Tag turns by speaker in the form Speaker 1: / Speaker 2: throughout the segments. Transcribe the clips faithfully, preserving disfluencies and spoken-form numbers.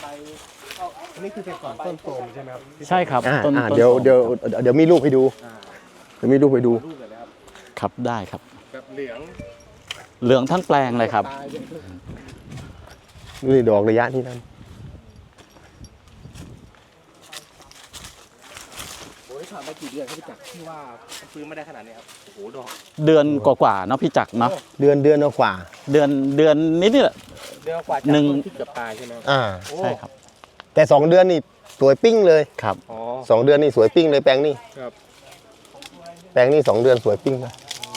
Speaker 1: อันนี้คือเป็นก่อนต้นโตมใช่ไหมครับ
Speaker 2: ใช่ครับ
Speaker 3: อ่า
Speaker 2: ต้น
Speaker 3: อ่า
Speaker 2: ต้น
Speaker 3: เดี๋ยว
Speaker 2: โต
Speaker 3: เดี๋ยวเดี๋ยวมีรูปให้ดูเดี๋ยวมีรูปให้ดู
Speaker 1: รูปเลยนะครับ
Speaker 2: ครับได้ครับ
Speaker 1: แบบเหลือง
Speaker 2: เหลืองทั้งแปลงเลยครับ
Speaker 1: ตายเลย
Speaker 3: นี่ดอกระยะที่นั่น
Speaker 1: โอ้ยผ่านมากี่เดือนครับพี่จักรที่ว่าฟื้นไม่ได้ขนาดนี้ครับโอ้โหดอก
Speaker 2: เดือนกว่าๆเนาะพี่จักรเนาะ
Speaker 3: เดือนเดือนกว่า
Speaker 2: เดือนเดือนนิดนี่แหละ
Speaker 1: เดือนกว่าจาก
Speaker 2: หนึ่ง
Speaker 1: ต้นที่เกือบตายใช่ไหมครับ
Speaker 3: อ่า
Speaker 1: โอ้
Speaker 2: ใช่ครับ
Speaker 3: แต่สองเดือนนี่สวยปิ้งเลย
Speaker 2: ครับ
Speaker 1: อ๋อ
Speaker 3: สองเดือนนี่สวยปิ้งเลยแปลงนี่
Speaker 1: ครับ
Speaker 3: แปลงนี่สองเดือนสวยปิ้งเลย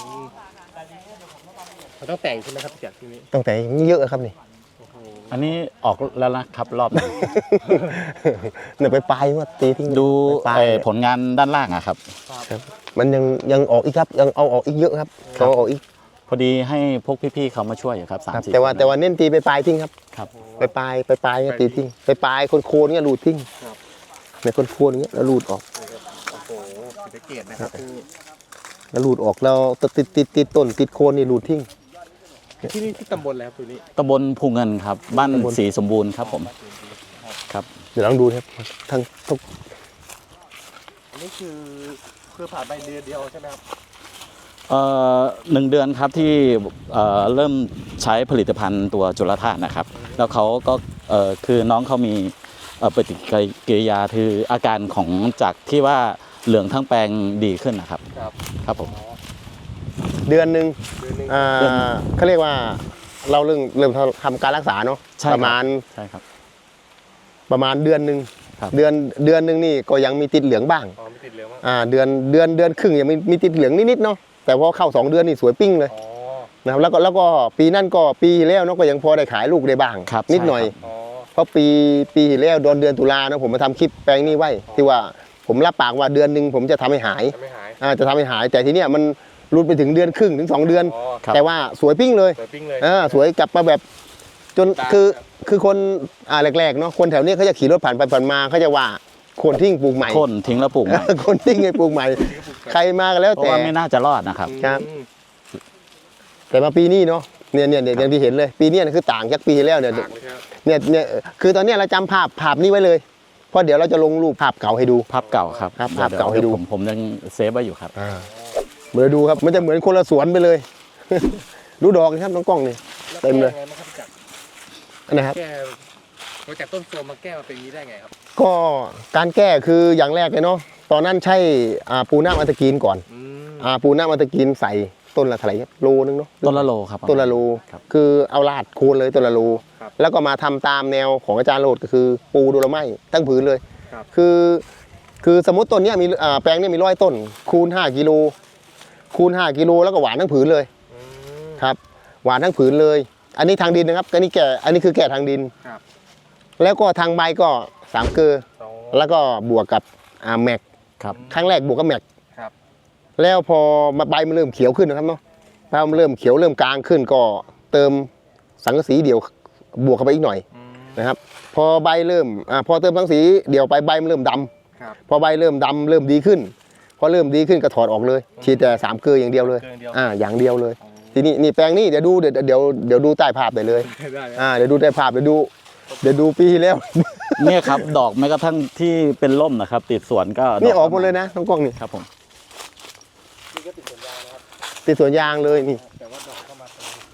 Speaker 1: มันต้องแต่งใช่ไหมครับพี่จักรที่นี้
Speaker 3: ตั้งแต่เยอะครับนี่
Speaker 1: โอ้โห
Speaker 2: อันนี้ออกแล้วนะครับรอบนี้
Speaker 3: เนี่ยไปปลายว่าตีทิ้ง
Speaker 2: ดู
Speaker 3: ปลาย
Speaker 2: เอ่อผลงานด้านล่างอะครับ
Speaker 3: ครับมันยังยังออกอีกครับยังเอาออกอีกเยอะครับเขาเอาออกอีก
Speaker 2: พอดีให้พวกพี่ๆเขามาช่วยอยู่ครับสาม
Speaker 3: ครับ
Speaker 2: สี่
Speaker 3: แต่ว่า
Speaker 2: คน
Speaker 3: แต่ว่าเน้นตีไปปลายทิ้งครับ
Speaker 2: ครับ
Speaker 3: ไปปลายไปปลายเนี่ยตีทิ้งไปปลายคนโคนๆเนี่ยรูดทิ้งเนี่ยคนโคนๆเงี้ยแล้วรูดออก
Speaker 1: โอ้โหสังเกตนะครับที่
Speaker 3: แล้วรูดออกแล้วติดติดติดต้นติดโคนนี่รูดทิ้ง
Speaker 1: ที่นี่ที่ตำบลแล้วตัวนี้
Speaker 2: ตำบลภูเงินครับ บ้าน
Speaker 3: ตำบล
Speaker 2: ศรีสมบูรณ์ครับผมครับ
Speaker 3: เดี๋ยวลองดูนะครับทั้งทุก
Speaker 1: อันนี้คือคือผ่านไปเดือนเดียวใช่ไหมครับ
Speaker 2: เอ่อหนึ่งเดือนครับที่เอ่อเริ่มใช้ผลิตภัณฑ์ตัวจุลธาตุนะครับ แล้วเขาก็เอ่อคือน้องเขามีเอ่อปฏิกิริยาคืออาการของจากที่ว่าเหลืองทั้งแปลงดีขึ้นนะครับ
Speaker 1: ครับ
Speaker 2: ครับผม
Speaker 3: เดือนหนึ่ง
Speaker 1: เดือนหนึ่ง
Speaker 3: อ่าเขาเรียกว่าเราเริ่มเริ่มทำการรักษาเนาะ
Speaker 2: ใช่
Speaker 3: ป
Speaker 2: คบ
Speaker 3: ระมาณ
Speaker 2: ใช่ครับ
Speaker 3: ประมาณเดือนหนึ่ง
Speaker 2: ครับ
Speaker 3: เดือนเดือนหนึ่งนี่ก็ยังมีติดเหลืองบ้าง
Speaker 1: อ๋อไม่ติดเหลืองมั้ง
Speaker 3: อ่าเดือนเดือนเดือนครึ่งยังมีมีติดเหลืองนิดๆเนาะแต่พอเข้าสองเดือนนี่สวยปิ้งเลย
Speaker 1: อ๋อ
Speaker 3: นะครับแล้วก็แล้วก็ปีนั่นก็ปีที่แล้วเนาะก็ยังพอได้ขายลูกได้บ้าง
Speaker 2: ครับ
Speaker 3: นิดหน่อย
Speaker 2: ใช่ครับ
Speaker 1: อ๋อ
Speaker 3: เพราะปีปีที่แล้วโดนเดือนตุลาเนาะผมมาทำคลิปแปลงนี้ไว้ที่ว่าผมรับปากว่าเดือนหนึ่งผมจะทำให้หาย
Speaker 1: จะไม่หาย
Speaker 3: อ่าจะทำให้หายแต่ทีเนี้ยมันรุดไปถึงเดือนครึ่งถึงสองเดือน
Speaker 1: อ๋อ
Speaker 2: ครับ
Speaker 3: แต่ว่าสวยปิ้งเลย
Speaker 1: เปิดปิ้งเลย
Speaker 3: อ่าสวยกลับมาแบบจน
Speaker 1: ตาม
Speaker 3: คือ
Speaker 1: ครับ
Speaker 3: คือคนอ่าแรกๆเนาะคนแถวเนี้ยเขาจะขี่รถผ่านไปผ่านมาเขาจะว่าคนทิ้งปลูกใหม่
Speaker 2: โค่นทิ้งแล้วปลูกใหม่
Speaker 3: คนทิ้งไงปลูกใหม่ ใครมาก็แล้ว
Speaker 2: เพราะ
Speaker 3: แต่
Speaker 2: ว่าไม่น่าจะรอดนะครับ
Speaker 3: ครับ
Speaker 1: อืม
Speaker 3: แต่มาปีนี้เนาะเนี่ยเนี่ยเนี่ยอย่างที่เห็นเลย ปีเนี้ยคือต่างจากปีที่แล้วเนี่ย
Speaker 1: ต่างเลยครับ
Speaker 3: เนี่ยเนี่ยคือตอนเนี้ยเราจำภาพภาพนี้ไว้เลยเพราะเดี๋ยวเราจะลงรูปภาพเก่าให้ดู
Speaker 2: ภาพเก่าครับ
Speaker 3: ครับภาพเก่าให้ดู
Speaker 2: ผมผมยังเซฟไว้อยู่ครับ
Speaker 3: เหมือนดูครับมันจะเหมือนคนละสวนไปเลย ดูดอกนะครับน้องกล้องนี่
Speaker 1: แล้ว
Speaker 3: เต็มเลย
Speaker 1: แก้ไงบ้างครับพี่จักร
Speaker 3: นะครับ
Speaker 1: แก้มาจากต้นโทรมมาแก้มาเป็นอย่างนี้ได้ไงครับ
Speaker 3: ก็การแก้คืออย่างแรกเลยเนาะตอนนั้นใช่อ่าปูน้ำอัตกีนก่อน
Speaker 1: อืม
Speaker 3: อ่าปูน้ำอัตกีนใส่ต้นละเท่าไหร่ครับโลนึงเนาะ
Speaker 2: ต้นละโลครับ
Speaker 3: ต้นละโล
Speaker 2: ครับ
Speaker 3: คือเอาลาดโคนเลยต้นละโลแล้วก็มาทำตามแนวของอาจารย์โรดก็คือปูโดโลไม้ตั้งผืนเลย
Speaker 1: ครับ
Speaker 3: คือคือสมมติต้นเนี้ยมีอ่าแปลงเนี้ยมีร้อยต้น คูณห้ากิโลคูณห้ากิโลแล้วก็หวานทั้งผืนเลย
Speaker 1: อืม
Speaker 3: ครับหวานทั้งผืนเลย อันนี้ทางดินนะครับอันนี้แก่อันนี้คือแก่ทางดิน
Speaker 1: ครับ
Speaker 3: แล้วก็ทางใบก็สามเกลือ
Speaker 1: สอง
Speaker 3: แล้วก็บวกกับอ่าแม็ก
Speaker 2: ครับ
Speaker 3: ครั้งแรกบวกกับแม็ก
Speaker 1: ครับ
Speaker 3: แล้วพอมาใบมันเริ่มเขียวขึ้นนะครับเนาะใบมันเริ่มเขียวเริ่มกลางขึ้นก็เติมสังกะสีเดี่ยวบวกเข้าไปอีกหน่อย
Speaker 1: อืม
Speaker 3: นะครับ พอใบเริ่มอ่าพอเติมสังกะสีเดี่ยวไปใบมันเริ่มดำ
Speaker 1: ครับ
Speaker 3: พอใบเริ่มดำเริ่มดีขึ้น พอเริ่มดีขึ้นก็ถอดออกเลยฉีดแต่สามเกลืออย่างเดียวเลย
Speaker 1: เกินเดียว
Speaker 3: อ่าอย่างเดียวเลย ทีนี้นี่แปลงนี้เดี๋ยวดูเดี๋ยวเดี๋ยวเดี๋ยวดูใต้ภาพได้เลย
Speaker 1: ได้ครับ
Speaker 3: อ่าเดี๋ยวดูใต้ภาพเดี๋ยวดูเดี๋ยวดูปีที่แล้ว
Speaker 2: เนี่ยครับ ดอกแม้กระทั่งที่เป็นร่มนะครับ ติดสวนก็
Speaker 3: นี่ออกหมดเลยนะน้องกล้องนี่
Speaker 2: ครับผม
Speaker 1: นี่ก็ติดสัญญานะครับ
Speaker 3: ติดสวนยางเลยนี่
Speaker 1: แต่ว่าดอกเข้ามาตรงนี้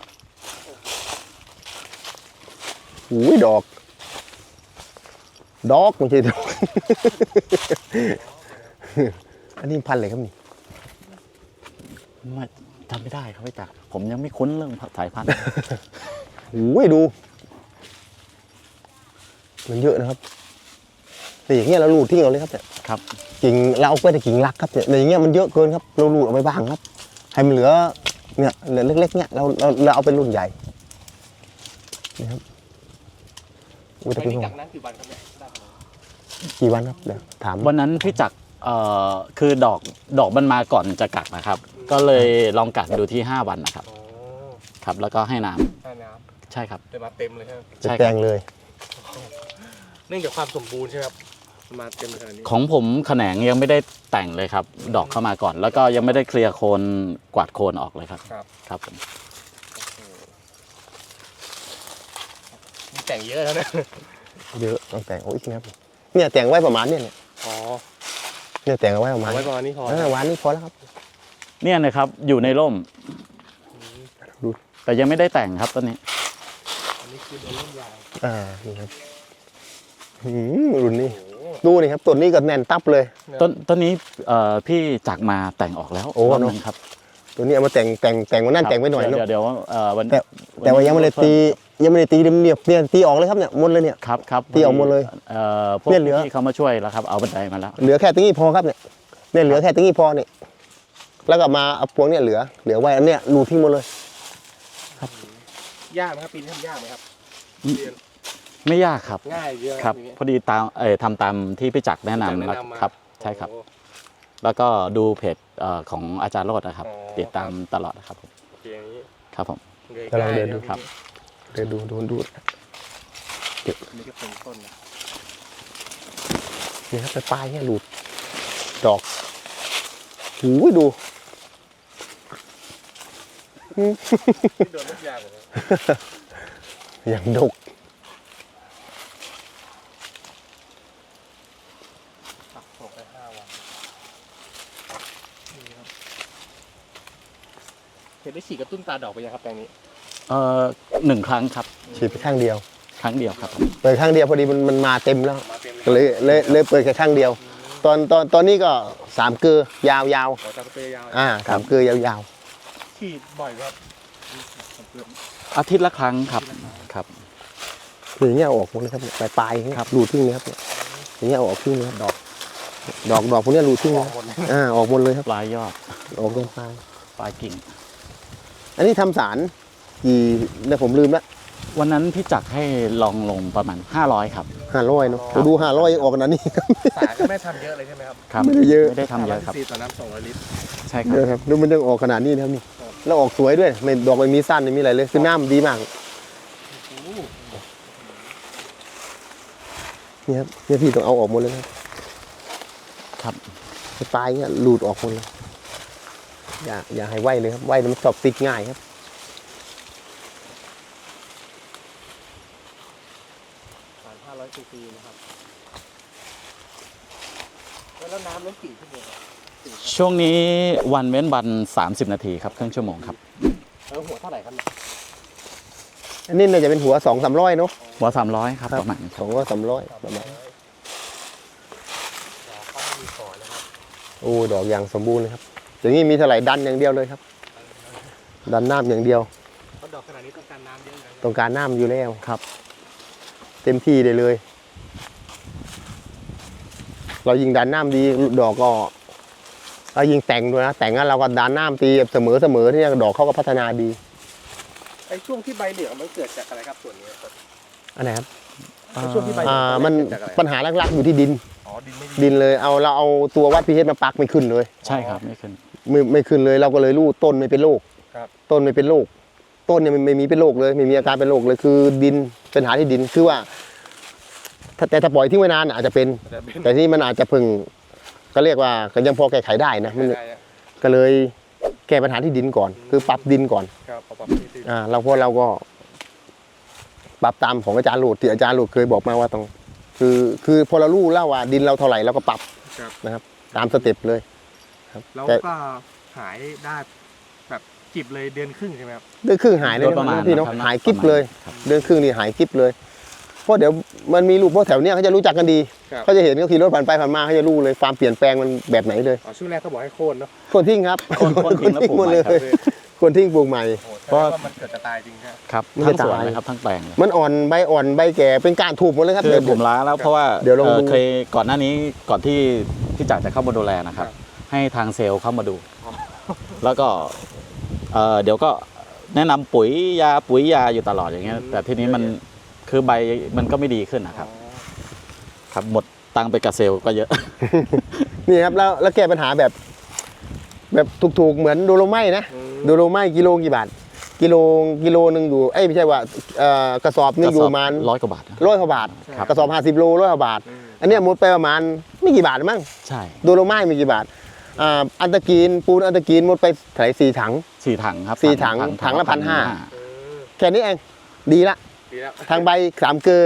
Speaker 3: หูยดอก ดอกไม่ใช่ดอก อันนี้พันธุ์อะไรครับนี่
Speaker 2: ไม่จำไม่ได้ครับพี่จักรผมยังไม่คุ้นเรื่องสายพันธุ์
Speaker 3: หูยดู มันเยอะนะครับแต่อย่างเงี้ยเราลูดทิ้งเอาเลยครับเนี่ย
Speaker 2: ครับ
Speaker 3: กิ่งเราเอาไปแต่กิ่งรักครับเนี่ยแต่อย่างเงี้ยมันเยอะเกินครับเราลูดออกไปบ้างครับ ให้มันเหลือเนี่ยเหลือเล็กๆเนี่ยเราเราเราเอาเป็นรุ่นใหญ่นี่ครับอุ้ยแต่
Speaker 1: ไป
Speaker 3: พี่
Speaker 1: นี่
Speaker 3: ผม
Speaker 1: จากนั้นกี่วันครับเนี่ยได้ครับ
Speaker 3: กี่วันครับเดี๋ยวถาม
Speaker 2: วันนั้นพี่จักรเอ่อคือดอกดอกมันมาก่อนจะกักนะครับ ก็เลยลองกักดูที่ห้าวันนะครับ
Speaker 1: อ๋อ
Speaker 2: ครับ แล้วก็ให้น้ำ
Speaker 1: ใช่น้
Speaker 2: ใช่ครับ
Speaker 1: ำเดินมาเต็มเลยใช่ไหม
Speaker 3: จะ
Speaker 2: ใช่
Speaker 3: แปล
Speaker 2: ครับ
Speaker 3: งเลย
Speaker 1: เนื่องจากความสมบูรณ์ใช่ไหมครับมาเต็มขนาดนี้
Speaker 2: ของผมแขนงยังไม่ได้แต่งเลยครับ ดอกเข้ามาก่อน แล้วก็ยังไม่ได้เคลียร์โคนกวาดโคนออกเลยครับ
Speaker 1: ครับ
Speaker 2: ครับผม
Speaker 1: นี่แต่งเยอะแล้วนะ
Speaker 3: เยอะต้องแต่งโอ้ยครับเนี่ยแต่งไว้ประมาณเนี่ยเนี่ย
Speaker 1: อ๋อ
Speaker 3: เนี่ยแต่งเอาไว้ประมาณ
Speaker 1: เอาไว้ประมาณนี้พอ
Speaker 3: เออวันนี้พอแล้วครับ
Speaker 2: เนี่ยนะครับอยู่ในร่ม
Speaker 3: ดู
Speaker 2: แต่ยังไม่ได้แต่งครับต้นนี้
Speaker 1: อันนี้คือโดนเล่นยาว
Speaker 3: อ่านี่ครับหืมรุ่นนี้ดูนี่ครับต้นนี้ก็แน่นตับเลย
Speaker 2: ต้นต้นนี้เอ่อพี่จักรมาแต่งออกแล้ว
Speaker 3: โอ้
Speaker 2: รอบ
Speaker 3: เน
Speaker 2: นึ
Speaker 3: อะ
Speaker 2: งครับ
Speaker 3: ตัวนี้เอามาแต่งแต่งแต่งวันนั้นแต่งไปหน่อย
Speaker 2: เดี๋
Speaker 3: เนาะ
Speaker 2: ยวเดี๋ยวเอ่อวัน
Speaker 3: แต่แต่ว่ายังไม่ได้ตียังไม่ได้ตีเรียบๆเนี่ยตีออกเลยครับเนี่ยหมดเลยเนี่ย
Speaker 2: ครับครับ
Speaker 3: ที่เอาหมดเลย
Speaker 2: เอ่อพวก
Speaker 3: เนี่ยเหลือ
Speaker 2: ที่เขามาช่วยแล้วครับเอาบันไดมาแล้ว
Speaker 3: เหลือแค่ตรงนี้พอครับเนี่ยเนี่ยเหลือแค่ตรงนี้พอเนี่ยแล้วก็มาเอาพวงเนี่ยเหลือเหลือไว้อันเนี้ยรูทิ้งหมดเลย
Speaker 1: ยากไหมครับปีนี้ทำยากไหมครับ
Speaker 2: อืม
Speaker 1: เรียน
Speaker 2: ไม่ยากครับ
Speaker 1: ง่ายเยอะ
Speaker 2: ครับ
Speaker 1: อย่างเงี้ย
Speaker 2: พอดีตามเอ่อทำตามที่พี่จักรแนะนำ
Speaker 1: แนะ
Speaker 2: แล้ว
Speaker 1: นำมา
Speaker 2: ครับใช่ครับ
Speaker 1: โอ้
Speaker 2: แล้วก็ดูเพจเอ่อของอาจารย์โรจน์นะครับ
Speaker 1: อ๋อ
Speaker 2: ติดตามตลอดนะครับผม
Speaker 1: โอเคอย่างนี้
Speaker 2: ครับผม
Speaker 1: เลย
Speaker 3: กำลังเดินดู
Speaker 1: ง่าย
Speaker 2: ครับ
Speaker 3: เดี๋ยวดูดูดู
Speaker 1: นี่ก็เป็นต้นนะ
Speaker 3: นี่ครับปลายๆเนี่ยรูดดอกหูยดู
Speaker 1: ที่โดนเล่นยาวเลย
Speaker 3: อย่างดก
Speaker 1: ปักส่งไปห้าวันนี่ครับเห็นได้ฉีดกระตุ้นตาดอกไปยังครับแปลงนี้
Speaker 2: เอ่อหนึ่งครั้งครับ
Speaker 3: ฉีดไปข้างเดียว
Speaker 2: ครั้งเดียวครับผม
Speaker 3: เปิดข้างเดียวพอดีมันมันมาเต็มแล้ว
Speaker 1: มาเต็ม
Speaker 3: ก็เลยเลยเลยเปิดแค่ข้างเดียว ตอนตอนตอนนี้ก็สามเกลือยาวยาว
Speaker 1: ขอจับสเปรย์ยาว
Speaker 3: ๆอ่าสามเกลือยาวยาว
Speaker 1: ฉีดบ่อยครับเกือบ
Speaker 2: อาทิตย์ละครั้งครับครับ
Speaker 3: ๆอย่างเงี้ยเอาออกหมดเลยครับปลายปลายๆอย่างเงี้ย
Speaker 2: ครับ
Speaker 3: รูดทิ้งเลยครับเนี่ยอย่างเงี้ยเอาออกทิ้งเลยครับดอก ดอกดอกพวกเนี้ยรูดทิ้ง
Speaker 1: อ
Speaker 3: เล
Speaker 1: อย กหมดเลย
Speaker 3: อ่าออกหมดเลยครับ
Speaker 2: ปลายยอด
Speaker 3: ออกตรงปลาย
Speaker 2: ปลายกิ่ง
Speaker 3: อันนี้ทำสารกี่เนี่ยผมลืมละ
Speaker 2: วันนั้นพี่จักรให้ลองลงประมาณห้าร้อยครับ
Speaker 3: ห้าร้อยเนาะเราดูห้าร้อยยังออกขนาดนี้ครับ
Speaker 1: สารก็ไม่ทำเยอะเลยใช่ไหมครับ
Speaker 2: ครับ
Speaker 3: ไม่ได้เยอะ
Speaker 2: ไม่ได้ทำเยอะครับ
Speaker 1: สี่ต่อน้ำสองร้อยลิตร
Speaker 2: ใช่ครั
Speaker 3: เย
Speaker 2: บ
Speaker 3: อะครับดูมันยังออกขนาดนี้นะครับนี่แล้วออกสวยด้วยไม่ดอกไม่มีสั้นไม่มีอะไรเลยคือน้ำดีมากนี่ครับเนี่ยพี่ต้องเอาออกหมดเลยนะครับ
Speaker 2: ครับ
Speaker 3: ปลายเงี้ยหลุดออกหมดเลยอย่าอย่าให้ไหวเลยครับไหวแล้วมันตอบติดง่ายครับ
Speaker 1: สารห้าร้อยซีซีนะครับแล้วน้ำล้นกี่ชั่วโมงครับสี่ครับ
Speaker 2: ช่วงนี้วันเว้นวันสามสิบนาทีครับครึ่งชั่วโมงครับ
Speaker 1: แล้วหัวเท่าไหร่ครับเนี่ย
Speaker 3: อันนี้น่าจะเป็นหัวสองสามร้อยเนาะ
Speaker 2: หัวสามร้อยครับประมาณนี้ค
Speaker 3: ส
Speaker 2: รั
Speaker 3: อบ งร้อยสามร้อยประมาณ
Speaker 1: ดอกเขาไม่มีขอนะครับ
Speaker 3: โอ้ดอกอย่างสมบูรณ์เลยครับอย่างนี้มีเท่าไหร่ดันอย่างเดียวเลยครับ ดันน้ำอย่างเดียว
Speaker 1: เพราะดอกขนาดนี้ต้องการน้ำเยอะนะ
Speaker 3: ต้องการน้ำอยู่แล้ว
Speaker 2: ครับ
Speaker 3: เต็มที่ได้เลย เรายิงดันน้ำดีดอกก็เรายิงแต่งด้วยนะแต่งแล้วเราก็ดันน้ำตีเสมอเสมอที่ดอกเขาก็พัฒนาดี
Speaker 1: ไอ้ช่วงที่ใบเหลืองมันเกิดจากอะไรครับส่วนนี้ครับ
Speaker 3: อันไหนครับ
Speaker 1: ไอ้ช่วงที่ใบเหลื
Speaker 3: อ่า
Speaker 1: อง
Speaker 3: มัน
Speaker 1: เกิดจากอะไร
Speaker 3: ปัญหาหลักๆอยู่ที่ดิน
Speaker 1: อ๋อดินไม่ดี
Speaker 3: ดินเลยเอาเราเอาตัววัดพีเอชมาปักไม่ขึ้นเลย
Speaker 2: ใช่ครับไม่ขึ้น
Speaker 3: ไม่ไม่ขึ้นเลยเราก็เลยรู้ต้นไม่เป็นโรค
Speaker 1: ครับ
Speaker 3: ต้นไม่เป็นโรคต้นเนี่ยไม่ไม่มีเป็นโรคเลยไม่มีอาการเป็นโรคเลยคือดินเป็นปัญหาที่ดินคือว่าถ้าแต่ถ้าปล่อยทิ้งไว้นานอาจจะเป็น
Speaker 1: แต่เป็น
Speaker 3: แต่ที่มันอาจจะพึงก็เรียกว่าก็ยังพอแก้ไขได้นะมัน
Speaker 1: ได้อะ
Speaker 3: ก็เลยแก้ปัญหาที่ดินก่อน คือปรับดินก่อน
Speaker 1: ครับเอาปรับที่ดิน
Speaker 3: อ่าเราเพราะเราก็ ปรับตามของอาจารย์โหลดที่อาจารย์โหลดเคยบอกมาว่าต้อง คือคือพอเรารู้แล้วว่าดินเราเท่าไหร่เราก็ปรับ
Speaker 1: ครับ
Speaker 3: นะครับ ตามสเต็ปเลยครับ
Speaker 1: แล้ว
Speaker 3: แต่
Speaker 1: ก็หายได้แบบจิบเลยเดือนครึ่งใช่ไหมครับ
Speaker 3: เดือนครึ่งหายเลย
Speaker 2: โดยประมาณ
Speaker 3: นะพี่เนาะ
Speaker 2: นะครับ
Speaker 3: หายกิ๊บเลย
Speaker 2: ครับ
Speaker 3: เดือนครึ่งนี่หายกิ๊บเลย เพราะเดี๋ยวมันมีลูกเพราะแถวเนี้ยเขาจะรู้จักกันดี
Speaker 1: ครับ
Speaker 3: เขาจะเห็นเขาขี่รถผ่านไปผ่านมาเขาจะรู้เลยความเปลี่ยนแปลงมันแบบไหนเลย
Speaker 1: อ๋อช่วงแรกเขาบอกให้โค่นเนาะ
Speaker 3: คนทิ้งครับ
Speaker 2: คนคนทิ้งแล้วปลูก
Speaker 3: หมด
Speaker 2: ใหม่
Speaker 3: เลย คนทิ้งปลูกใหม่
Speaker 1: โอ้แสดงว่ามันเกิดจะตายจริงครับ
Speaker 2: ครับ
Speaker 3: มัน
Speaker 2: ทั้ง
Speaker 3: จะ
Speaker 2: สวน
Speaker 3: ตาย
Speaker 2: เลยครับทั้งแปลงเลย
Speaker 3: มันอ่อนใบอ่อนใบแก่เป็นการถูกหมดเลยครับ
Speaker 2: คือ
Speaker 3: เดี๋ยว
Speaker 2: ผมล้าแล้วเพราะว่า
Speaker 3: เดี๋ยวลอง
Speaker 2: เอ่อ
Speaker 3: ดู
Speaker 2: เคยก่อนหน้านี้ก่อนที่พี่จักรจะเข้ามาดูแลนะครับ ให้ทางเซลล์เข้ามาดู แล้วก็เอ่อเดี๋ยวก็แนะนำปุ๋ยยาปุ๋ยยาอยู่ตลอดอย่างเงี้ย แต่ทีนี้มันคือใบมันก็ไม่ดีขึ้นนะครับ ครับหมดตังค์ไปกับเซลล์ก็เยอะ
Speaker 3: นี่ครับแล้วแล้วแก้ปัญหาแบบ แบบถูกๆเหมือนโดโลไม้นะ
Speaker 1: อืม
Speaker 3: โดโลไม้กิโลกี่บาทกิโลกิโลหนึ่งอยู่เอ้ยไม่ใช่ว่าเอ่อกระสอบหนึงอยู่ประมาณ
Speaker 2: ร้อยกว่าบาทนะ
Speaker 3: ร้อยกว่าบาท
Speaker 2: ครับ
Speaker 3: กระสอบห้าสิบโลร้อยกว่าบาท
Speaker 1: อืม
Speaker 3: อันเนี้ยหมดไปประมาณไม่กี่บาทมั้ง
Speaker 2: ใช่
Speaker 3: โดโลไม้มีกี่บาทอ่าอันตะกีนปูนอันตะกีนหมดไปเท่าไหร่สี่ถัง
Speaker 2: สี่ถังครับ
Speaker 3: สี่ถังถังละพันห้า
Speaker 1: เออ
Speaker 3: แค่นี้เองดีละ
Speaker 1: ดีแล้ว
Speaker 3: ทางใบสามเกลือ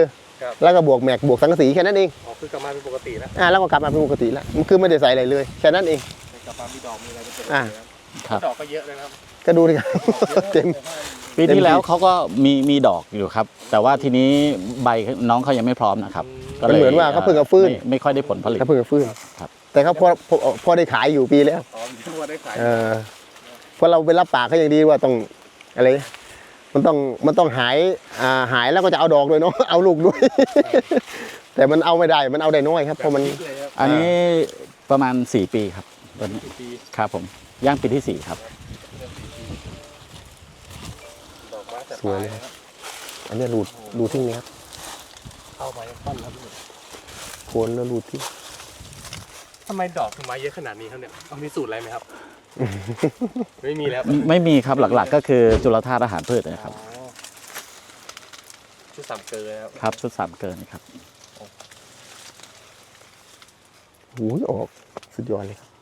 Speaker 3: แล้วก็บวกแม็กบวกสังกะสีแค่นั้นเอง
Speaker 1: อ๋อคือกลับมาเป็นปกติแล้ว
Speaker 3: อ่าแล้วก็กลับมาเป็นปกติแล้วมันคือไม่ได้ใส่อะไรเลยแค่นั้นเอง
Speaker 1: กลับมามีดอกมีอะไรเป็นปกติ
Speaker 3: อ่า
Speaker 1: แล้วดอกก็เยอะเลยนะครับ
Speaker 3: ก็ดูดิครับเต็ม
Speaker 2: ปีที่แล้วเขาก็มีมีดอกอยู่ครับ แต่ว่าทีนี้ใบน้องเขายังไม่พร้อมนะครับก็
Speaker 3: มันเหมือนว่าเขาเพิ่งเอาฟื้น
Speaker 2: ไม่ไม่ค่อยได้ผลผลิต
Speaker 3: เขาเพิ่งจะฟื้น
Speaker 2: ครับ
Speaker 3: แต่เขาพอพอพอได้ขายอยู่ปีแล้ว
Speaker 1: อ๋อมีว่าได้ขาย
Speaker 3: เออเพราะเราไปรับปากเขาอย่างดีว่าต้องอะไรมันต้องมันต้องหายอ่าหายแล้วก็จะเอาดอกด้วยเนาะ เอาลูกด้วย แต่มันเอาไม่ได้มันเอาได้น้อยครับเพราะมัน
Speaker 1: เลยครับ
Speaker 2: อันนี้ประมาณสี่ปีครับตอนนี้
Speaker 1: กี่ปี
Speaker 2: ครับผมย่างปีที่สี่ครับ
Speaker 1: ดอกไม้แต่
Speaker 3: สวยเลย อันนี้รูดรูดทิ้งเลยครับ
Speaker 1: เข้ามายังต้นครับ
Speaker 3: โคนแล้วรูดทิ้ง
Speaker 1: ทำไมดอกถึงมาเยอะขนาดนี้ครับเนี่ยเอามีสูตรอะไรไหมครับ ไม่มีแล้ว
Speaker 2: ไม่มีครับหลักๆ ก็คือจุลธาตุอาหารพืชนะครับ
Speaker 1: อ๋อชุดสามเกลือครับ
Speaker 2: ครับชุดสามเกินครับ
Speaker 3: หูยออกสุดยอดเลยครับ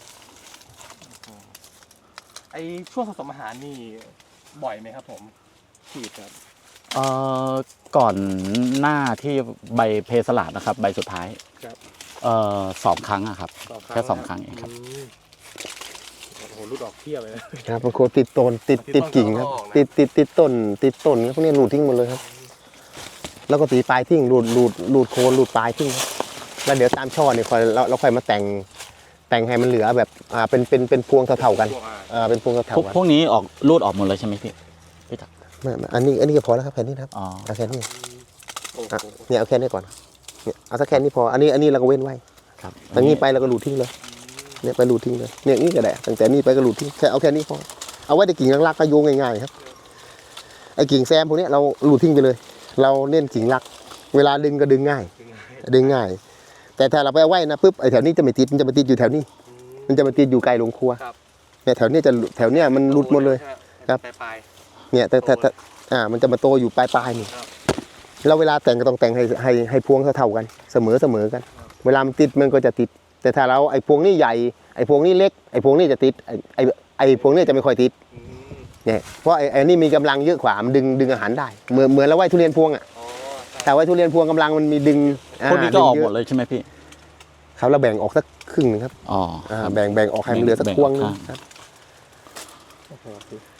Speaker 1: ไอช่วงผสมอาหารนี่บ่อยไหมครับผมฉีดครับ
Speaker 2: เอ่อก่อนหน้าที่ใบเพสลาดนะครับ ใบสุดท้าย
Speaker 1: ครับ
Speaker 2: เอ่อสองครั้งอะครับ แค่สองครั้งเองครับ
Speaker 1: มโอ้โหรูดออกเพียบเลยนะครับ
Speaker 3: บางคนติดต้นติด
Speaker 1: ติ
Speaker 3: ติ
Speaker 1: ด
Speaker 3: ด
Speaker 1: ต้น
Speaker 3: กิ่งครับ
Speaker 1: ก็ออกนะ
Speaker 3: ติดติดติดต้นติดต้นพวกนี้รูดทิ้งหมดเลยครับ แล้วก็ตีปลายทิ้งรูดรูดรูดโคนรูดปลายทิ้งครับแล้วเดี๋ยวตามช่อเนี่ยค่อยเราเราค่อยมาแต่งแต่งให้มันเหลือแบบอ่าเป็นเป็นเป็นพวงเท่าๆกัน
Speaker 1: พวกอ่ะ
Speaker 3: อ่าเป็นพวงเท่า
Speaker 2: พวก
Speaker 3: ๆกัน
Speaker 2: พวกนี้ออกรูดออกหมดเลยใช่ไหมพี่พี่ตัก
Speaker 3: ไม่ไม่อันนี้อันนี้ก็พอแล้วครับแค่นี้นะครับ
Speaker 2: อ๋อ
Speaker 3: เอาแค่นี้
Speaker 1: โอ้โห
Speaker 3: อ่ะเนี่ยเอาแค่นี้ก่อนเนี่ยเอาสักแค่นี้พออันนี้อันนี้เราก็เว้นไว้
Speaker 2: ครับ
Speaker 3: ตั้งนี้ไปเราก็รูดทิ้งเลยเนี่ยไปรูดทิ้งเลยเนี่ยนี่ก็ได้ตั้งแต่นี้ไปก็รูดทิ้งแค่เอาแค่นี้พอเอาไว้ในกิ่งรักๆก็โยงง่ายๆครับไอ้กิ่งแซมพวกนี้เรารูดทิ้งไปเลย เราเน้นกิ่งรัก เวลาดึงก็ดึงง่าย ดึงง่าย แต่ถ้าเราไปเอาไว้นะปุ๊บไอ้แถวนี้จะไม่ติดมันจะมาติดอยู่แถวนี้ มันจะมาติดอยู่ไกลโรงครัว
Speaker 1: ครับ
Speaker 3: เนี่ยแถวนี้จะแถวเนี้ยมันหลุดหมดเลย ครับ
Speaker 1: ปลาย
Speaker 3: เนี่ยแต่แต่แต่อ่ามันจะมาโตอยู่ปลายปลายๆนี่
Speaker 1: ครับ
Speaker 3: แล้วเวลาแต่งก็ต้องแต่งให้ให้ให้พวงเท่าๆกัน เสมอเสมอกัน เวลามันติดมันก็จะติด แต่ถ้าเราไอ้พวงนี้ใหญ่ไอ้พวงนี้เล็กไอ้พวงนี้จะติดไอ้ไอ้ไอ้พวงนี้จะไม่ค่อยติด
Speaker 1: ๆอืม
Speaker 3: เนี่ยเพราะไอ้ไอ้นี่มีกำลังเยอะกว่ามันดึงดึงอาหารได้เหมือนเหมือนเราไว้ทุเรียนพวงอ่ะ
Speaker 1: อ๋อใช่
Speaker 3: แต่ไว้ทุเรียนพวงกำลังมันมีดึง
Speaker 2: พวกนี้ก็ออก
Speaker 3: ดึง
Speaker 2: ห
Speaker 3: เย
Speaker 2: มดเลยใช่ไหมพี่
Speaker 3: ครับเราแบ่งออกสักครึ่งหนึงครับ
Speaker 2: อ๋อ
Speaker 3: อ่า
Speaker 2: ครับ
Speaker 3: แบ่งแบ่งออกให้มันเหลือสัก
Speaker 2: แบ่ง
Speaker 3: พวงหนึง
Speaker 2: ออก
Speaker 3: ครับ
Speaker 1: โอ้โห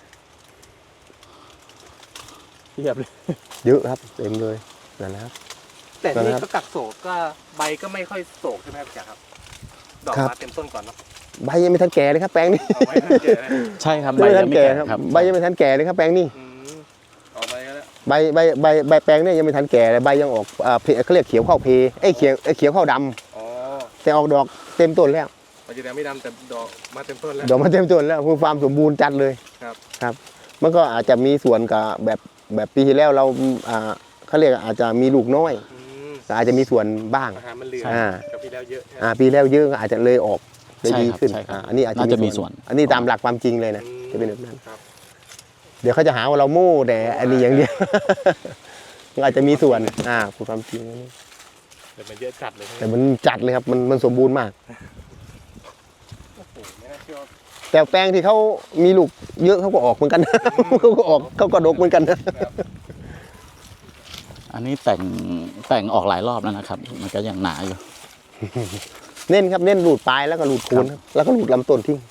Speaker 1: เทียบเลย
Speaker 3: เยอะครับเต็มเลยนั่นแหละครับ
Speaker 1: แต่นี่
Speaker 3: ครับ
Speaker 1: ก็กักโศกก็ใบก็ไม่ค่อยโศกใช่ไหมครับจ๋าครับ ดอก
Speaker 3: ครับ
Speaker 1: มาเต็มต้นก่อนเนาะ
Speaker 3: ใบยังไม่ทันแก่เลยครับแปลงนี้
Speaker 1: เอาไว้ให้เจอเลย
Speaker 2: ใช่ครับ
Speaker 3: ยังไม่ทัน
Speaker 2: ไม่
Speaker 3: แก่
Speaker 2: แก่
Speaker 3: ครับ
Speaker 2: ครับ
Speaker 3: ใบยังไม่ทันแก่เลยครับแปลงนี้
Speaker 1: อืมเอาไปก็แล้ว
Speaker 3: ใบใบใบใบแปลงเนี่ยยังไม่ทันแก่เลยใบยังออกอ่าเพเขาเรียกเขียวเข้าเพเอ้ยเขียวเอ้ยเขียวเข้าดำ
Speaker 1: อ๋อ
Speaker 3: แต่ออกดอกเต็มต้นแล้ว
Speaker 1: มันจะยังไม่ดำแต่ดอกมาเต็มต้นแล้ว
Speaker 3: ดอกมันเต็มต้นแล้วคือความสมบูรณ์จัดเลย
Speaker 1: ครับ
Speaker 3: ครับ มันก็อาจจะมีส่วนกับแบบแบบปีที่แล้วเราอ่าเขาเรียกอาจจะมีลูกน้อย
Speaker 1: อืม
Speaker 3: ก็อาจจะมีส่วนบ้าง
Speaker 1: อาหารมันเหลือ
Speaker 3: อ่า
Speaker 1: กับพี่แล้วเยอะใช่ไหม
Speaker 3: อ่าปีแล้วเยอะก็อาจจะเลยออกได้ดีขึ้น
Speaker 2: ใช่ครับ
Speaker 3: อ่าอันนี้อาจจะ
Speaker 2: น่าจะมีส่วน
Speaker 3: อันนี้ตามหลักความจริงเลยนะ
Speaker 1: อืม
Speaker 3: จะเป็นแบบนั้น
Speaker 1: ครับ
Speaker 3: เดี๋ยวเขาจะหาว่าเราโม่แต่อันนี้อย่างเดียว มันอาจจะมีส่วนอ่าพูดความจริงอันนี้
Speaker 1: แต่มันเยอะจัดเลยใช่ไหม
Speaker 3: แต่มันจัดเลยครับมันมันสมบูรณ์มาก
Speaker 1: โอ้โหไม่น่าเชื่อว่า
Speaker 3: แต่แปลงที่เขามีลูกเยอะเขาก็ออกเหมือนกัน เขาก็ออกเขาก็ดกเหมือนกันนะ
Speaker 2: อันนี้แต่งแต่งออกหลายรอบแล้วนะครับ มันก็ยังหนาอยู่
Speaker 3: เน้นครับเน้นรูดปลายแล้วก็รูดโคนครับแล้วก็รูดลำต้นทิ้ง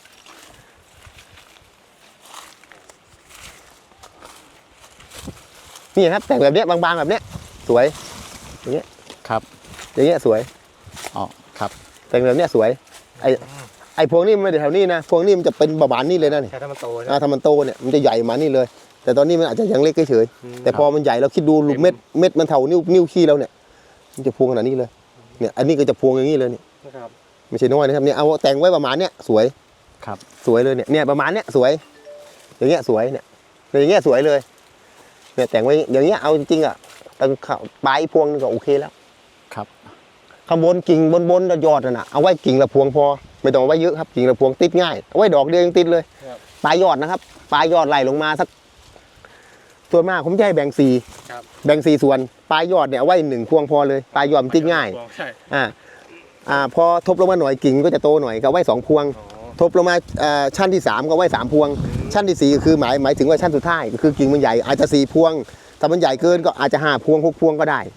Speaker 3: นี่ครับแต่งแบบเนี้ยบางๆแบบเนี้ยสวย
Speaker 2: ครับ
Speaker 3: อย่างเงี้ยสวย
Speaker 2: อ๋อครับ
Speaker 3: แต่งแบบเนี้ยสวยไอไอพวงนี้มันไม่ได้แถวนี้นะพวงนี้มันจะเป็นบานๆนี่เลยนะนี่
Speaker 1: แค่ถ้ามันโตใช่ไหม
Speaker 3: อ่าถ้ามันโตเนี่ยมันจะใหญ่มานี่เลย แต่ตอนนี้มันอาจจะยังเล็กเฉยๆแต่พอมันใหญ่เราคิดดูลูกเม็ดเม็ดมันเท่านิ้วนิ้วขี้เราเนี่ยมันจะพวงขนาดนี้เลยเนี่ยอันนี้ก็จะพวงอย่างนี้เลยเนี่ย
Speaker 1: นะครับ
Speaker 3: ไม่ใช่น้อยนะครับเนี่ยเอาแต่งไว้ประมาณเนี้ยสวย
Speaker 2: ครับ
Speaker 3: สวยเลยเนี่ยเนี่ยประมาณเนี้ยสวย อย่างเงี้ยสวยเนี่ยอย่างเงี้ยสวยเลยเนี่ยแต่งไว้อย่างเงี้ยเอาจริงๆอ่ะตั้งปลายพวงนึงก็โอเคแล้ว
Speaker 2: ครับ
Speaker 3: ข้างบนกิ่งบนๆยอดน่ะนะเอาไว้กิ่งละพวงพอไม่ต้องเอาไว้เยอะครับกิ่งละพวงติดง่ายเอาไว้ดอกเดียวยังติดเลยปลายยอดนะครับปลายยอดไหลลงมาสักส่วนมากผมจะให้แบ่งสี่
Speaker 1: ครับ
Speaker 3: แบ่งสี่ส่วนปลายยอดเนี่ยเอาไว้หนึ่งพวงพอเลยปลายยอดมันติดง่าย
Speaker 1: ใช่
Speaker 3: อ่าอ่าพอทบลงมาหน่อยกิ่งก็จะโตหน่อยก็เอาไว้สองพวง
Speaker 1: อ๋อ
Speaker 3: ทบลงมาอ่าชั้นที่สามก็ไว้สามพวง ชั้นที่สี่ก็คือหมายหมายถึงว่าชั้นสุดท้ายก็คือกิ่งมันใหญ่อาจจะสี่พวงถ้ามันใหญ่เกินก็อาจจะห้าพวงหกพวงก็ได้
Speaker 1: ครับ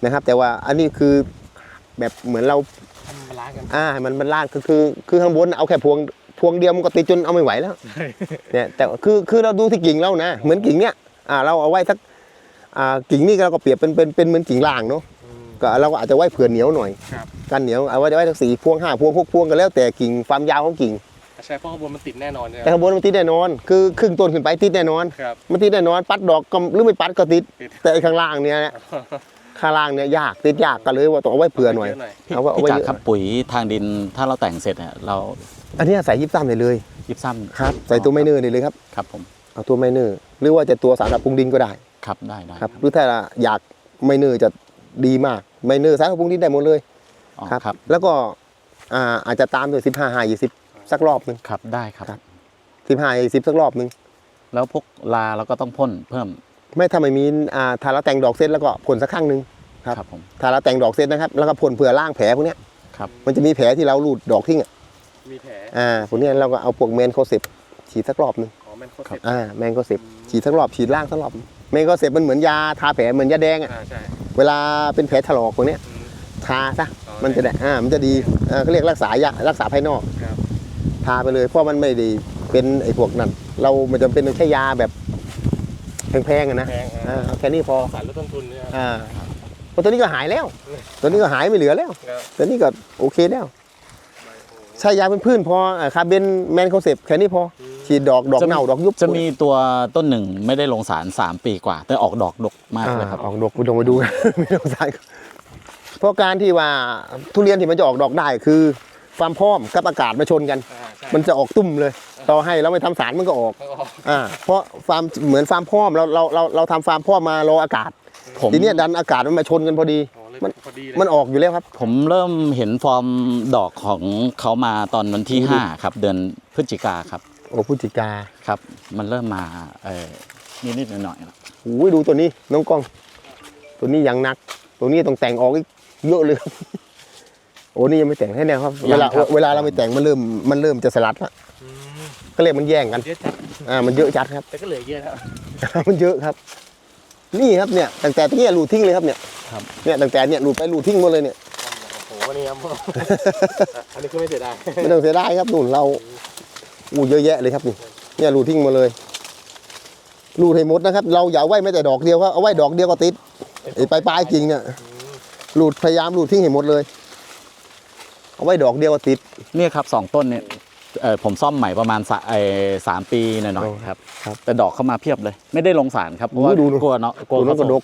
Speaker 3: นะครับ แต่ว่าอันนี้คือแบบเหมือนเรา
Speaker 1: ทำบาลานซ์กัน
Speaker 3: อ่ามันมันลากคือคือคือข้างบนเอาแค่พวงพวงเดียวมันก็ติดจนเอาไม่ไหวแล้วเนี่ยแต่คือคือเราดูที่กิ่งเรานะเหมือนกิ่งเนี้ยอ่าเราเอาไว้สักอ่ากิ่งนี่เราก็เปรียบเป็นเป็นเป็นเหมือนกิ่งล่างเนาะก็เราก็อาจจะไว้เผื่อเหนียวหน่อย
Speaker 1: ครับ
Speaker 3: กันเหนียวเอาไว้ไว้สักสี่พวงห้าพวงหกพวงก็แล้วแต่กิ่งความยาวของกิ่ง
Speaker 1: ใช่เพราะข้างบนมันติดแน่นอนใช่ไหม
Speaker 3: แต่ข้างบนมันติดแน่นอน คือครึ่งต้นขึ้นไปติดแน่นอน
Speaker 1: ครับ
Speaker 3: มันติดแน่นอนปัดดอกก็หรือไม่ปัดก็ติด
Speaker 1: ติด
Speaker 3: แต่ไอ้ข้างล่างเนี่ยนะข้างล่างเนี่ยยากติดยากก็เลยว่าต้องเอาไว้เผื่อหน่อย
Speaker 1: เยอะหน่อย
Speaker 2: พี่
Speaker 3: เอาไว้เอา
Speaker 2: พี่
Speaker 3: ไว้
Speaker 2: จักร
Speaker 3: เยอะ
Speaker 2: ครับปุ๋ยทางดินถ้าเราแต่งเสร็จเนี่ยเรา
Speaker 3: อันนี้ใส่ยิบซ้ำได้เลย
Speaker 2: ยิบซ้ำ
Speaker 3: ครับใส่ตัวไมเนอร์ได้เลยครับ
Speaker 2: ครับผม
Speaker 3: เอาตัวไมเนอร์หรือว่าจะตัวสารปรับปรุงดินก็ได้
Speaker 2: ครับได้ได้
Speaker 3: ครับหรือถ้าอยากไมเนอร์จะดีมากไมเนอร์สารปรับปรุงดินได้หมดเลย
Speaker 2: อ๋อ
Speaker 3: ครับ
Speaker 2: ครับ
Speaker 3: แล้วก็อ่าอาจจะตามด้วยสิบห้าห้ายี่สิบสักรอบหนึ่ง
Speaker 2: ครับได้ครับ
Speaker 3: ครับ สิบห้ายี่สิบสักรอบหนึ่ง
Speaker 2: แล้วพวกลาเราก็ต้องพ่นเพิ่ม
Speaker 3: ไม่ถ้าไม่มีอ่าถ้าเราแต่งดอกเสร็จแล้วก็พ่นสักครั้งหนึ่ง ครับ
Speaker 2: ครับผม
Speaker 3: ถ้าเราแต่งดอกเสร็จนะครับแล้วก็พ่นเผื่อล่างแผลพวกเนี้ย
Speaker 2: ครับ
Speaker 3: มันจะมีแผลที่เราลูดดอกทิ้งอ่ะ
Speaker 1: มีแผล
Speaker 3: อ่าพวกเนี้ยเราก็เอาพวกแมนโคเซปฉีดสักรอบหนึ่ง
Speaker 1: อ๋อแมนโคเซ็ป
Speaker 3: อ่าแมนโคเซปฉีดสักรอบฉีดล่างสักรอบแมนโคเซปมันเหมือนยาทาแผลเหมือนยาแดงอ่ะ
Speaker 1: อ่าใช่
Speaker 3: เวลาเป็นแผลถลอกพวกเนี้ย
Speaker 1: อืม
Speaker 3: ทาซะ
Speaker 1: อ๋อ
Speaker 3: มันจะได้อ่ามันจะดีอ่าเขาเรียกรักษายารักษาภายนอก
Speaker 1: ครับ
Speaker 3: ทาไปเลยเพราะมันไม่ได้เป็นไอ้พวกนั้นเรามันจะเป็นแค่ยาแบบแพงๆอะนะ
Speaker 1: แพง
Speaker 3: อ่า
Speaker 1: อ่า
Speaker 3: เอาแค่นี้พอ
Speaker 1: สารลดต้นทุนเนี่ย
Speaker 3: อ่าเพราะตัวนี้ก็หายแล้ว ตัวนี้ก็หายไม่เหลือแล้ว
Speaker 1: ครับ
Speaker 3: ตัวนี้ก็โอเคแล้วใช้ยาเป็นพืชพออ่าคาร์เบนแมนโคเซปแค่นี้พอฉีดดอกดอก
Speaker 2: จะ
Speaker 3: เน่าดอกยุบ
Speaker 2: จะมีตัวต้นหนึ่งไม่ได้ลงสารสามปีกว่า แต่ออกดอกดกมาก
Speaker 3: อ่า
Speaker 2: เลยครับ
Speaker 3: ออกดอกไปดงไปดู กัน ไม่ต้องใส่เพราะการที่ว่าทุเรียนที่มันจะออกดอกได้คือความพร้อมกับอากาศมาชนกัน
Speaker 1: อ่าใช่
Speaker 3: มันจะออกตุ้มเลย ต่อให้เราไม่ทำสารมันก็ออก
Speaker 1: แล้วก็ออก
Speaker 3: อ่าเพราะฟาร์มเหมือนฟาร์มพร้อมเราเราเราเราทำฟาร์มพร้อมมารออากาศ
Speaker 2: ผม
Speaker 3: ทีเนี้ยดันอากาศมันมาชนกันพอดี
Speaker 1: อ๋อเลย
Speaker 3: มัน
Speaker 1: พอดีเลย
Speaker 3: มันออกอยู่แล้วครับ
Speaker 2: ผมเริ่มเห็นฟอร์มดอกของเขามาตอนวันที่
Speaker 3: อืม
Speaker 2: ห้าครับ เดือนพฤศจิกาครับ
Speaker 3: โอ้พฤศจิกา
Speaker 2: ครับ มันเริ่มมาเออนิดๆหน่อยๆแล้ว
Speaker 3: โอ้ยดูตัวนี้น้องกล้อง ตัวนี้ยังหนัก ตัวนี้ต้องแต่งออกอีกเยอะเลยครับ โอ้นี่ยังไม่แต่งให้แน่ครับ เวลาเวลาเราไม่แต่งมันเริ่มมันเริ่มจะสลัดละ
Speaker 1: อืม
Speaker 3: ก็เรียกมันแย่งกัน
Speaker 1: เยอะจัด
Speaker 3: อ่ามันเยอะจัดครับ
Speaker 1: แต่ก็เหลือเยอะแล้ว
Speaker 3: มันเยอะครับ นี่ครับเนี่ยตั้งแต่ตรงเนี้ยรูดทิ้งเลยครับเนี่ย
Speaker 2: ครับ
Speaker 3: เนี่ยตั้งแต่เนี่ยรูดไปรูดทิ้งหมดเลยเนี่ย
Speaker 1: โอ้โหนี่ครับ อันนี้คือไม่เสียดาย
Speaker 3: ไม่ต้องเสียดายครับนู่นเราอู้เยอะแยะเลยครับนี่เนี่ยรูดทิ้งหมาเลยรูดให้หมดนะครับ เราอย่าไว้ไม่แต่ดอกเดียวครับเอาไว้ดอกเดียวก็ติดไอ้ปลายปลายๆกิ่งเนี่ยรูดพยายามรูดทิ้งให้หมดเลย เอาไว้ดอกเดียวก็ติด
Speaker 2: เนี่ยครับสองต้นเนี่ยเออผมซ่อมใหม่ประมาณสะเออสามปีหน่อย
Speaker 3: โอ้
Speaker 2: ๆครับ
Speaker 3: ครับ
Speaker 2: แต่ดอกเข้ามาเพียบเลย ไม่ได้ลงสารครับเพราะว่า
Speaker 3: ดูดู
Speaker 2: กลัวเนาะกลัว
Speaker 3: ตัวนั้น
Speaker 2: เขา
Speaker 3: ก็
Speaker 2: ส่
Speaker 3: ด
Speaker 2: ง
Speaker 3: ก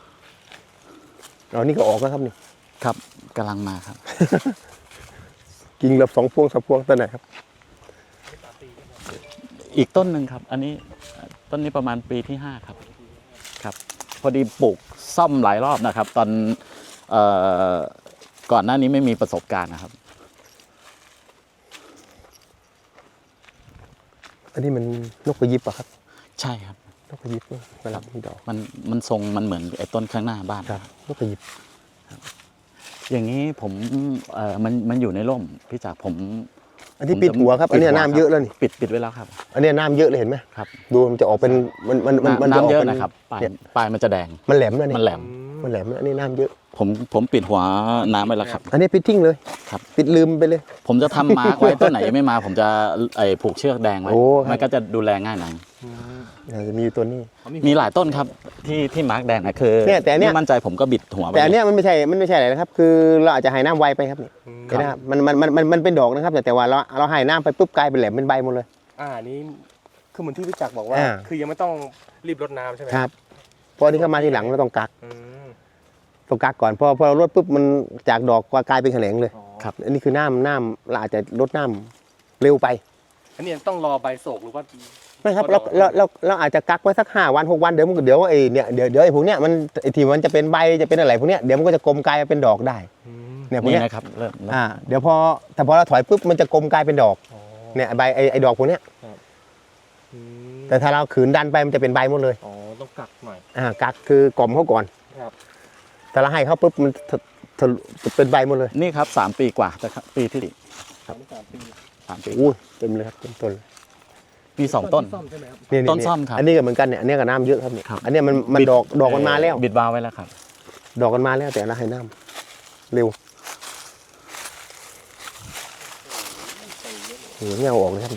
Speaker 3: เรานี่ก็ออกแล้วครับนี่
Speaker 2: ครับกำลังมาครับ
Speaker 3: กิ่งละสองพวงสามพวงตัวไหนครับ
Speaker 2: อีกต้นหนึ่งครับ อันนี้ต้นนี้ประมาณปีที่ห้าครับครับ พอดีปลูกซ่อมหลายรอบนะครับ ตอนเอ่อก่อนหน้านี้ไม่มีประสบการณ์นะครับ
Speaker 3: อันนี้มันนกกระยิบอะครับ
Speaker 2: ใช่ครับ
Speaker 3: นกกระยิบเวลามีดอก
Speaker 2: มันมันทรงมันเหมือนไอ้ต้นข้างหน้าบ้าน
Speaker 3: ครับนกกระยิบ
Speaker 2: อย่างนี้ผมเอ่อมันมันอยู่ในร่มพี่จ๋าผม
Speaker 3: อันนี้ปิดหัวครับ อันนี้น้ำเยอะแล้วนี่
Speaker 2: ปิดปิดไว้แล้วครับ
Speaker 3: อันนี้น้ำเยอะเลยเห็นไหม
Speaker 2: ครับ
Speaker 3: ดูมันจะออกเป็นมันมันมันมันจะออก
Speaker 2: น้ำเยอะ
Speaker 3: เป็น
Speaker 2: นะครับปลาย
Speaker 3: เนี่ย
Speaker 2: ปลายมันจะแดง
Speaker 3: มันแหลมแล้วนี่
Speaker 2: มันแหลม
Speaker 3: มันแหลมแล้วอันนี้น้ำเยอะ
Speaker 2: ผมผมปิดหัวน้ำไว้แล้วครับ
Speaker 3: อันนี้ปิดทิ้งเลย
Speaker 2: ครับ
Speaker 3: ปิดลืมไปเลย
Speaker 2: ผมจะทำมาร์กไว้ต้นไหนยังไม่มา ผมจะไอ้ผูกเชือกแดงไว้
Speaker 3: โอ้ครับ
Speaker 2: มันก็จะดูแลง่ายหน่อย
Speaker 3: อ่าจะมีอยู่ตัวนี้
Speaker 2: มีหลายต้นครับที่ที่มาร์กแดงนะคือ
Speaker 3: เนี่ยแต่เนี่ย
Speaker 2: ไม่มั่นใจผมก็บิดหัวไป
Speaker 3: แต่อัน
Speaker 2: เล
Speaker 3: เนี้
Speaker 2: ย
Speaker 3: ยมันไม่ใช่มันไม่ใช่อะไรนะครับ คือเราอาจจะให้น้ำไวไปครับนี่
Speaker 1: อืม
Speaker 3: เห็นะครับมันมันมันมันมันเป็นดอกนะครับ แต่แต่ว่าเราเราให้น้ำไปปุ๊บกลายเป็นแหลมเป็นใบหมดเลย
Speaker 1: อ่านี่คือเหมือนที่พี่จักรบอกว่า
Speaker 3: อ่า
Speaker 1: คือยังไม่ต้องรีบรดน้ำใช่ไหม
Speaker 3: ครับพออันนี้เข้ามาทีหลังเราต้องกัก
Speaker 1: อืม
Speaker 3: ต้องกักก่อนพอพอเราลดปุ๊บมันจากดอกกลายเป็นแขนงเลย
Speaker 1: อ๋อ
Speaker 3: ครับอันนี้คือน้ำน้ำเราอาจจะลดน้ำเร็วไป
Speaker 1: อันนี้ต้องรอใบโศกหรือว่า
Speaker 3: ไม่ครับ
Speaker 1: พอ
Speaker 3: เรา
Speaker 1: ดอก
Speaker 3: เราเราเราอาจจะกักไว้สักห้าวันหกวันเดี๋ยวมันก็เดี๋ยวไอ้เนี่ยเดี๋ยวเดี๋ยวไอ้พวกเนี้ยมันไอ้ที่มันจะเป็นใบจะเป็นอะไรพวกเนี้ยเดี๋ยวมันก็จะกลมกลายเป็นดอกได้
Speaker 1: อืม
Speaker 3: เนี่ยพวก
Speaker 2: นี่
Speaker 3: เนี้ย
Speaker 2: นะครับเริ่มเริ่ม
Speaker 3: อ่าเดี๋ยวพอแต่พอเราถอยปุ๊บมันจะกลมกลายเป็นดอก
Speaker 1: อ๋อ
Speaker 3: เนี่ยใบไอ้ไอ้ดอกพวกเนี้ย
Speaker 1: อืม
Speaker 3: แต่ถ้าเราขืนดันไปมันจะเป็นใบหมดเลย
Speaker 1: อ๋อต้องกักหน่อย
Speaker 3: อ่ากักคือกล่อมเขาก่อน
Speaker 1: ครับ
Speaker 3: ถ้าเราให้เขาปุ๊บมันทะทะลุเป็นใบหมดเลย
Speaker 2: นี่ครับสามปีกว่าแต่ครับปีที่
Speaker 1: ครับสามปี
Speaker 2: สามปี
Speaker 3: อู้ยเต็มเลยครับเต็มต้นเลย
Speaker 2: มีสองต้น
Speaker 1: ซ่อมใช่ไหมครับ
Speaker 3: เนี่ย
Speaker 2: ต้นซ่อมครับ
Speaker 3: อันนี้ก็เหมือนกันเนี่ยอันนี้ก็น้ำเยอะครับเนี่ย
Speaker 2: ครับ
Speaker 3: อันเนี้ยมันมันดอกดอกมันมาแล้ว
Speaker 2: บิดวาล์วไว้แล้วครับ
Speaker 3: ดอกกันมาแล้วแต่ละให้น้ำเร็วโอ้โหเงาออกเลยครับ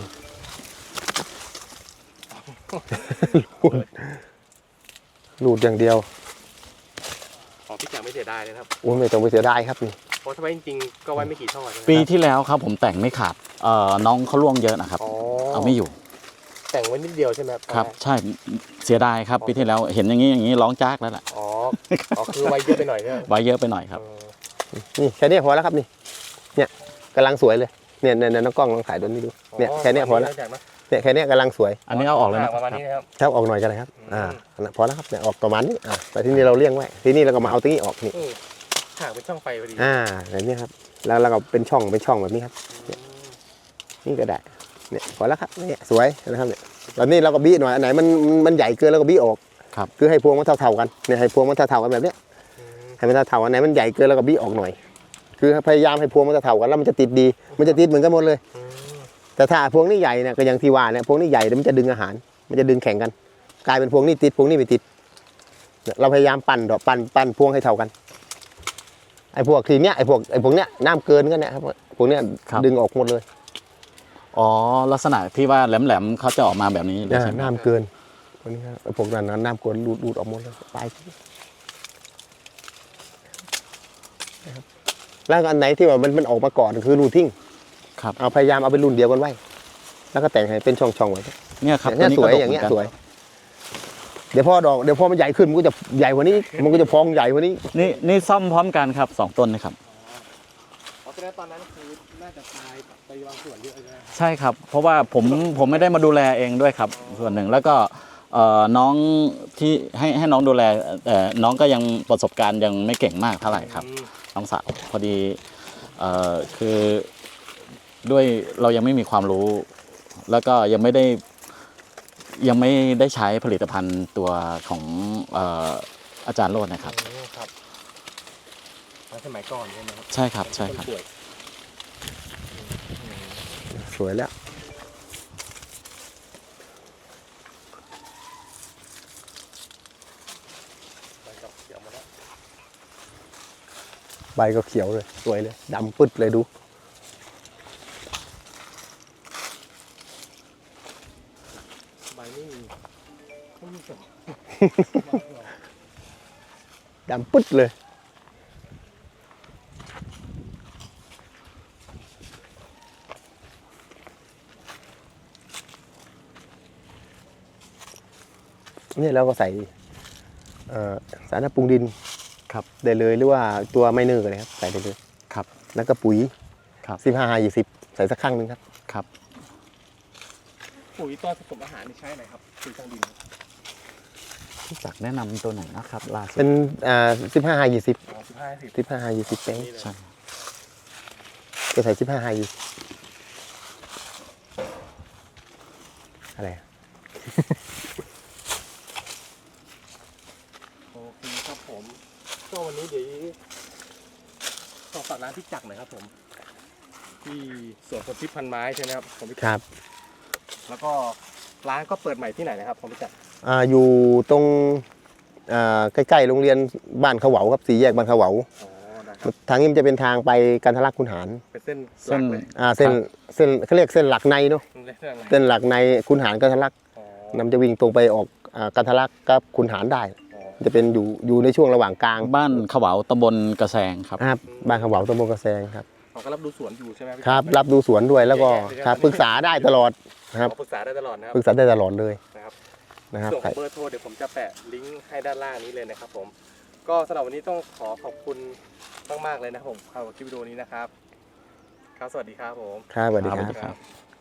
Speaker 3: รูดรูดอย่างเดียว
Speaker 1: ของพี่แจ๋ไม่เสียดายเลยนะครับ
Speaker 3: โอ้ไม่ต้องไปเสียดายครับนี่
Speaker 1: เพราะถ้าไว้จริงๆก็ไว้ไม่กี่ช่อใช่ไหม
Speaker 2: ปีที่แล้วครับผมแต่งไม่ขาดเอ่อน้องเขาล่วงเยอะนะครับ
Speaker 1: อ๋อ
Speaker 2: เอาไม่อยู่
Speaker 1: แต่งไว้นิดเดียวใช่ไหม
Speaker 2: ครับ ใช่เสียดายครับปีที่แล้วเห็นอย่างนี้อย่างนี้ร้องจากแล้วล่ะ
Speaker 1: อ๋ออ๋อคือไว้เยอะไปหน่อยใช่ไหม
Speaker 2: ไว้เยอะไปหน่อยครับ
Speaker 1: เออ
Speaker 3: นี่แค่นี้พอแล้วครับนี่เนี่ยกำลังสวยเลยเนี่ยเนี่ยน้องกล้องลองถ่ายตัวนี้ดูเนี่ยแค่นี้พอแล้ว
Speaker 1: จากนะ
Speaker 3: เนี่ยแค่นี้กำลังสวย
Speaker 2: อันนี้เอาออกเลยนะ
Speaker 1: ประมาณนี้นะครับ
Speaker 3: ครับออกหน่อยกันเลยครับ
Speaker 1: อืม
Speaker 3: อ่าพอแล้วครับเนี่ยออกประมาณนี้อ่าแต่ที่นี่เราเลี้ยงไว้ที่นี่เราก็มาเอาตรงนี้ออกนี่
Speaker 1: อืมหางเป็นช่องไฟพอดี
Speaker 3: อ่าแบบนี้ครับแล้วเราก็เป็นช่องเป็นช่องแบบนี้ครับเนี่ยนี่ก็ได้เนี่ยพอแล้วครับเนี่ยสวยนะครับเนี่ยตอนนี้เราก็บี้หน่อยอันไหนมันมันใหญ่เกินเราก็บี้ออก
Speaker 2: ครับ
Speaker 3: คือให้พวงมันเท่าๆกันเนี่ยให้พวงมันเท่าๆกันแบบเนี้ย
Speaker 1: อืม
Speaker 3: ให้มันเท่าๆอันไหนมันใหญ่เกินเราก็บี้ออกหน่อย คือพยายามให้พวงมันเท่าๆกันแล้วมันจะติดดี มันจะติดเหมือนกันหมดเลย
Speaker 1: อืม
Speaker 3: แต่ถ้าพวงนี้ใหญ่เนี่ยก็อย่างที่ว่าเนี่ยพวงนี้ใหญ่เดี๋ยวมันจะดึงอาหาร มันจะดึงแข่งกัน กลายเป็นพวงนี้ติดพวงนี้ไม่ติดเนี่ยเราพยายามปั่นดอกปั่นปั่นพวงให้เท่ากันไอ้พวกทีเนี้ยไอ้พวกไอ้พวกเนี้ยน้ำเกินกันเนี่ยครับพวกเนี้ย
Speaker 2: ครับ
Speaker 3: ดึงออกหมดเลย
Speaker 2: อ๋อลักษณะที่ว่าแหลมๆเขาจะออกมาแบบนี้เลยใช่ไหม
Speaker 3: น้ำเกินพวกนี้ครับไอ้พวกนั้นนะน้ำเกินรูดรูดออกหมดเลยไปนะครับแล้วอันไหนที่ว่ามันมันออกมาก่อนคือรูดทิ้ง
Speaker 2: ครับ
Speaker 3: เอาพยายามเอาเป็นรุ่นเดียวกันไว้ แล้วก็แต่งให้เป็นช่องๆไว้
Speaker 2: เนี่ยครับ
Speaker 3: เนี่ยสวย
Speaker 2: ตัว
Speaker 3: อย่างเงี้ย
Speaker 2: ก็ดกหมื
Speaker 3: สวย เดี๋ยวพอดอกเดี๋ยวพอมันใหญ่ขึ้นมันก็จะใหญ่กว่านี้ มันก็จะพองใหญ่กว่านี้
Speaker 2: นี่นี่ซ่อมพร้อมกันครับสองต้นนะครับ
Speaker 1: เพราะฉะนั้นตอนนั้นคือน่าจะตายไปบางส่วนเยอะเลยนะ
Speaker 2: ใช่ครับ เพราะว่าผมผมไม่ได้มาดูแลเองด้วยครับ ส่วนหนึ่งแล้วก็เอ่อน้องที่ให้ให้น้องดูแลแต่น้องก็ยังประสบการณ์ยังไม่เก่งมากเท่าไหร่ครับ
Speaker 1: อืม
Speaker 2: น้องสาวพอดีเอ่อคือด้วยเรายังไม่มีความรู้ แล้วก็ยังไม่ได้ยังไม่ได้ใช้ผลิตภัณฑ์ตัวของเอ่ออาจารย์โรจน์นะครับ
Speaker 1: อืมครับแล้วสมัยก่อนใช่ไหมครับ
Speaker 2: ใช่ครับใช่ครับ
Speaker 1: นป่วย
Speaker 3: สวยแล้ว
Speaker 1: ไปกับเขียวมาแล้ว
Speaker 3: ใบก็เขียวเลย สวยเลยดำปึ๊ดเลยดู
Speaker 1: ใบนี่ไม่มีเสียง
Speaker 3: ดำปึ๊ดเลย นี่เราก็ใส่เอ่อสารปรุงดิน
Speaker 2: ครับ
Speaker 3: ได้เลยหรือว่าตัวไมเนอร์ก็ได้ครับใส่ได้เลย
Speaker 2: ครับ
Speaker 3: แล้วก็ปุ๋ย
Speaker 2: ครับ
Speaker 3: สิบห้ายี่สิบใส่สักครั้งหนึ่งครับ
Speaker 2: ครับ
Speaker 1: ปุ๋ยตอนผสมอาหารนี่ใช้ไหนครับปุ๋ยทางดิน
Speaker 2: พี่จักรแนะนำตัวไหนนะครับล่าสุด
Speaker 3: เป็นอ่าสิบห้ายี่สิบ
Speaker 1: อ๋อสิบห้าสิบ
Speaker 3: สิบห้ายี่สิบเป้ง
Speaker 1: นี่เลย
Speaker 2: ใช่
Speaker 3: จะใส่สิบห้ายี่สิบอะไรอะ
Speaker 1: โอเคครับผม ก็วันนี้เดี๋ยวขอฝากร้านพี่จักรหน่อยครับผม ที่สวนผลทิพย์พันไม้ใช่ไหมครับผมพี่จัก
Speaker 3: ครับ
Speaker 1: แล้วก็ร้านก็เปิดใหม่ที่ไหนนะครับผมพี่จักร
Speaker 3: อ่าอยู่ตรงอ่าใกล้ๆโรงเรียนบ้านเขาเหวาครับสี่แยกบ้านเขาเหวา
Speaker 1: อ๋อได้ครับ
Speaker 3: ทางนี้มันจะเป็นทางไปกันทะลักคุณหาร
Speaker 1: เป็นเส้นห
Speaker 2: เส้
Speaker 1: ลั
Speaker 2: น
Speaker 1: กเลย
Speaker 3: อ่าเส้นเส้นเขาเรียกเส้นหลักในเนาะ
Speaker 1: เส้นอะไร
Speaker 3: เส้นหลักในคุณหารกันทะลัก
Speaker 1: อ๋อ
Speaker 3: นำจะวิ่งตรงไปออกอ่ากันทะลักกับคุณหารได้
Speaker 1: อ๋อ
Speaker 3: จะเป็นอยู่อยู่ในช่วงระหว่างกลาง
Speaker 2: บ้านขวาวตำบลกระแสงครับ
Speaker 3: ครับบ้านเขาเหวาตำบลกระแซงครับ
Speaker 1: เขาก็รับดูสวนอยู่ใช่ไหมพี่
Speaker 3: ครับ รับดูสวนด้วยแล้วก็ครับปรึกษาได้ตลอดครับ
Speaker 1: ขอปรึกษาได้ตลอดนะครับ
Speaker 3: ปรึกษาได้ตลอดเลย
Speaker 1: นะครับ
Speaker 3: นะครับ
Speaker 1: ส่วนของเบอร์โทรเดี๋ยวผมจะแปะลิงก์ให้ด้านล่างนี้เลยนะครับผม ก็สำหรับวันนี้ต้องขอขอบคุณมากๆเลยนะครับผมสำหรับคลิปวิดีโอนี้นะครับ ครับสวัสดีครับผม
Speaker 3: ครับสวัสดี
Speaker 2: ครับ
Speaker 3: ครับ
Speaker 1: ครับ